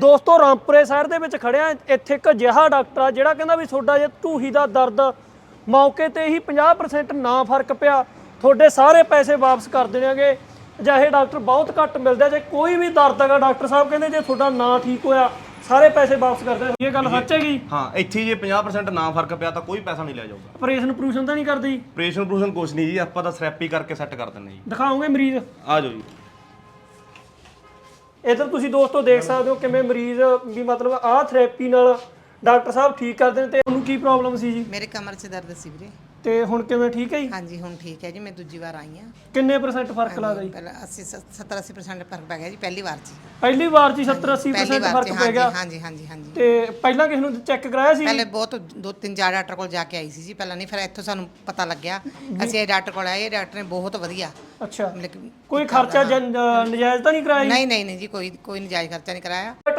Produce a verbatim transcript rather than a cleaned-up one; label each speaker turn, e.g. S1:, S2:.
S1: ਦੋਸਤੋ ਰਾਮਪੁਰੇ ਸ਼ਹਿਰ ਦੇ ਵਿੱਚ ਖੜਿਆ, ਇੱਥੇ ਇੱਕ ਅਜਿਹਾ ਡਾਕਟਰ ਆ ਜਿਹੜਾ ਕਹਿੰਦਾ ਵੀ ਤੁਹਾਡਾ ਜੇ ਢੂਹੀ ਦਾ ਦਰਦ ਮੌਕੇ ਤੇ ਹੀ ਪੰਜਾਹ ਪਰਸੈਂਟ ਨਾ ਫਰਕ ਪਿਆ ਤੁਹਾਡੇ ਸਾਰੇ ਪੈਸੇ ਵਾਪਸ ਕਰ ਦੇਣਗੇ। ਅਜਿਹੇ ਡਾਕਟਰ ਬਹੁਤ ਘੱਟ ਮਿਲਦੇ। ਜੇ ਕੋਈ ਵੀ ਦਰਦ ਹੈਗਾ ਡਾਕਟਰ ਸਾਹਿਬ ਕਹਿੰਦੇ ਜੇ ਤੁਹਾਡਾ ਨਾ ਠੀਕ ਹੋਇਆ ਸਾਰੇ ਪੈਸੇ ਵਾਪਸ ਕਰ ਦੇਣਗੇ। ਇਹ ਗੱਲ ਸੱਚ ਹੈਗੀ?
S2: ਹਾਂ, ਇੱਥੇ ਜੇ ਪੰਜਾਹ ਪਰਸੈਂਟ ਨਾ ਫਰਕ ਪਿਆ ਤਾਂ ਕੋਈ ਪੈਸਾ ਨਹੀਂ ਲਿਆ ਜਾਊਗਾ।
S1: ਆਪਰੇਸ਼ਨ ਪ੍ਰੂਸ਼ਨ ਤਾਂ ਨਹੀਂ ਕਰਦੀ?
S2: ਆਪਰੇਸ਼ਨ ਪ੍ਰੂਸ਼ਨ ਕੁਛ ਨਹੀਂ ਜੀ, ਆਪਾਂ ਤਾਂ ਥੈਰੇਪੀ ਕਰਕੇ ਸੈੱਟ ਕਰ ਦਿੰਦੇ ਜੀ।
S1: ਦਿਖਾਓਗੇ ਮਰੀਜ਼?
S2: ਆ ਜਾਓ ਜੀ।
S1: ਇੱਧਰ ਤੁਸੀਂ ਦੋਸਤੋ ਦੇਖ ਸਕਦੇ ਹੋ ਕਿਵੇਂ ਮਰੀਜ਼ ਵੀ ਮਤਲਬ ਆਹ ਥੈਰੇਪੀ ਨਾਲ ਡਾਕਟਰ ਸਾਹਿਬ ਠੀਕ ਕਰਦੇ ਨੇ। ਤੇ ਉਹਨੂੰ ਕੀ ਪ੍ਰੋਬਲਮ ਸੀ ਜੀ?
S3: ਮੇਰੇ ਕਮਰ 'ਚ ਦਰਦ ਸੀ ਵੀਰੇ।
S1: ਤੇ ਹੁਣ ਕਿਵੇਂ ਠੀਕ ਹੈ ਜੀ?
S3: ਹਾਂਜੀ ਹੁਣ ਠੀਕ ਹੈ ਜੀ, ਮੈਂ ਦੂਜੀ ਵਾਰ ਆਈ ਹਾਂ।
S1: ਕਿੰਨੇ ਪਰਸੈਂਟ ਫਰਕ ਲੱਗਦਾ ਜੀ?
S3: ਪਹਿਲਾਂ ਅੱਸੀ ਸੱਤਰ ਅੱਸੀ ਪਰਸੈਂਟ ਫਰਕ ਪੈ ਗਿਆ ਜੀ ਪਹਿਲੀ ਵਾਰ 'ਚ।
S1: ਪਹਿਲੀ ਵਾਰ 'ਚ ਹੀ ਸੱਤਰ ਅੱਸੀ ਪਰਸੈਂਟ ਫਰਕ ਪੈ ਗਿਆ?
S3: ਹਾਂਜੀ ਹਾਂਜੀ ਹਾਂਜੀ।
S1: ਤੇ ਪਹਿਲਾਂ ਕਿਸ ਨੂੰ ਚੈੱਕ ਕਰਾਇਆ ਸੀ?
S3: ਪਹਿਲੇ ਬਹੁਤ ਦੋ ਤਿੰਨ ਚਾਰ ਡਾਕਟਰ ਕੋਲ ਜਾ ਕੇ ਆਈ ਸੀ ਜੀ ਪਹਿਲਾਂ, ਨਹੀਂ ਫਿਰ ਇੱਥੋਂ ਸਾਨੂੰ ਪਤਾ ਲੱਗਿਆ। ਅਸੀਂ ਇਹ ਡਾਕਟਰ ਕੋਲ ਆਏ, ਇਹ ਡਾਕਟਰ ਨੇ ਬਹੁਤ ਵਧੀਆ।
S1: ਅੱਛਾ,
S3: ਮਤਲਬ
S1: ਕੋਈ ਖਰਚਾ ਨਜਾਇਜ਼ ਤਾਂ ਨਹੀਂ ਕਰਾਇਆ?
S3: ਨਹੀਂ ਨਹੀਂ ਨਹੀਂ ਜੀ, ਕੋਈ ਕੋਈ ਨਜਾਇਜ਼ ਖਰਚਾ ਨਹੀਂ ਕਰਾਇਆ।